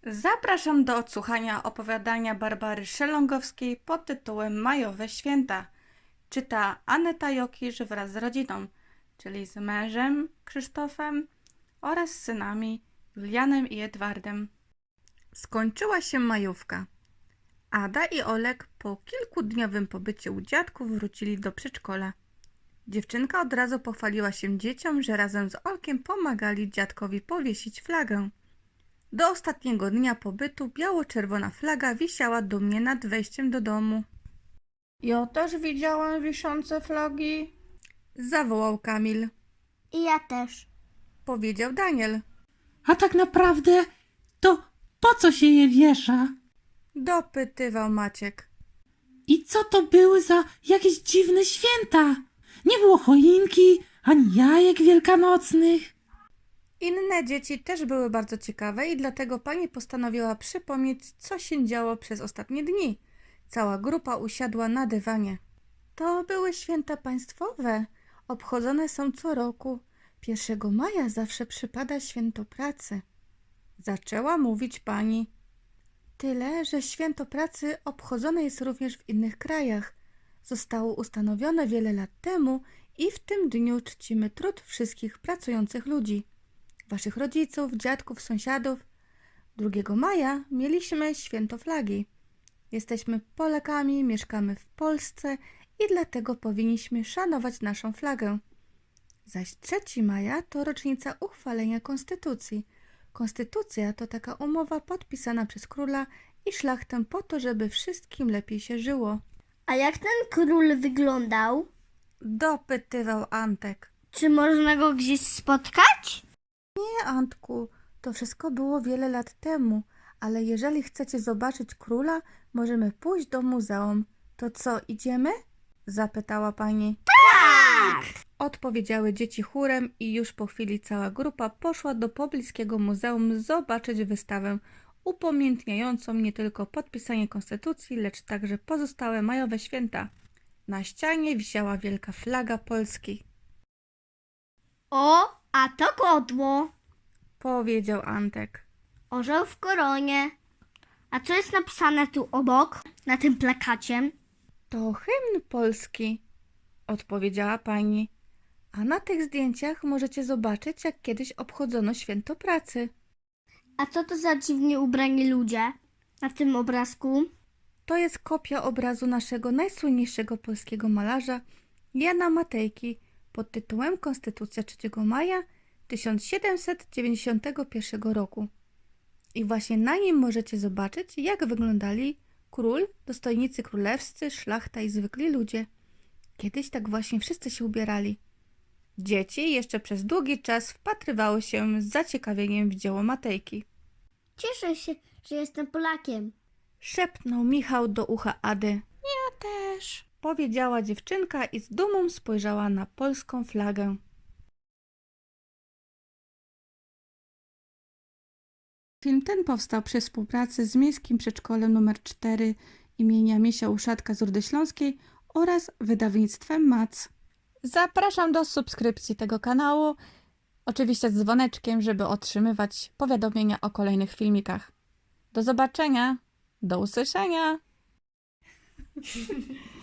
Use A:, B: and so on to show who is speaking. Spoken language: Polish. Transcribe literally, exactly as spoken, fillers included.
A: Zapraszam do odsłuchania opowiadania Barbary Szelongowskiej pod tytułem Majowe Święta. Czyta Aneta Jokisz wraz z rodziną, czyli z mężem Krzysztofem oraz synami Julianem i Edwardem. Skończyła się majówka. Ada i Olek po kilkudniowym pobycie u dziadków wrócili do przedszkola. Dziewczynka od razu pochwaliła się dzieciom, że razem z Olkiem pomagali dziadkowi powiesić flagę. Do ostatniego dnia pobytu biało-czerwona flaga wisiała dumnie nad wejściem do domu. Ja też widziałem wiszące flagi, zawołał Kamil.
B: I ja też.
A: Powiedział Daniel.
C: A tak naprawdę to po co się je wiesza?
A: Dopytywał Maciek.
C: I co to były za jakieś dziwne święta? Nie było choinki, ani jajek wielkanocnych.
A: Inne dzieci też były bardzo ciekawe i dlatego pani postanowiła przypomnieć, co się działo przez ostatnie dni. Cała grupa usiadła na dywanie. To były święta państwowe. Obchodzone są co roku. Pierwszego maja zawsze przypada święto pracy. Zaczęła mówić pani. Tyle, że święto pracy obchodzone jest również w innych krajach. Zostało ustanowione wiele lat temu i w tym dniu czcimy trud wszystkich pracujących ludzi. Waszych rodziców, dziadków, sąsiadów. drugiego maja mieliśmy święto flagi. Jesteśmy Polakami, mieszkamy w Polsce i dlatego powinniśmy szanować naszą flagę. Zaś trzeciego maja to rocznica uchwalenia Konstytucji. Konstytucja to taka umowa podpisana przez króla i szlachtę po to, żeby wszystkim lepiej się żyło.
B: A jak ten król wyglądał?
A: Dopytywał Antek.
B: Czy można go gdzieś spotkać?
A: Nie, Antku, to wszystko było wiele lat temu, ale jeżeli chcecie zobaczyć króla, możemy pójść do muzeum. To co, idziemy? Zapytała pani.
B: Tak!
A: Odpowiedziały dzieci chórem i już po chwili cała grupa poszła do pobliskiego muzeum zobaczyć wystawę upamiętniającą nie tylko podpisanie konstytucji, lecz także pozostałe majowe święta. Na ścianie wisiała wielka flaga Polski.
B: O, a to godło.
A: Powiedział Antek.
B: Orzeł w koronie. A co jest napisane tu obok, na tym plakacie?
A: To hymn polski, odpowiedziała pani. A na tych zdjęciach możecie zobaczyć, jak kiedyś obchodzono święto pracy.
B: A co to za dziwnie ubrani ludzie na tym obrazku?
A: To jest kopia obrazu naszego najsłynniejszego polskiego malarza Jana Matejki pod tytułem Konstytucja trzeciego maja tysiąc siedemset dziewięćdziesiątego pierwszego roku. I właśnie na nim możecie zobaczyć, jak wyglądali król, dostojnicy królewscy, szlachta i zwykli ludzie. Kiedyś tak właśnie wszyscy się ubierali. Dzieci jeszcze przez długi czas wpatrywały się z zaciekawieniem w dzieło Matejki.
B: Cieszę się, że jestem Polakiem.
A: Szepnął Michał do ucha Ady. Ja też, powiedziała dziewczynka i z dumą spojrzała na polską flagę. Film ten powstał przy współpracy z Miejskim Przedszkolem nr cztery imienia Misia Uszatka z Rudy Śląskiej oraz wydawnictwem Mac. Zapraszam do subskrypcji tego kanału, oczywiście z dzwoneczkiem, żeby otrzymywać powiadomienia o kolejnych filmikach. Do zobaczenia, do usłyszenia!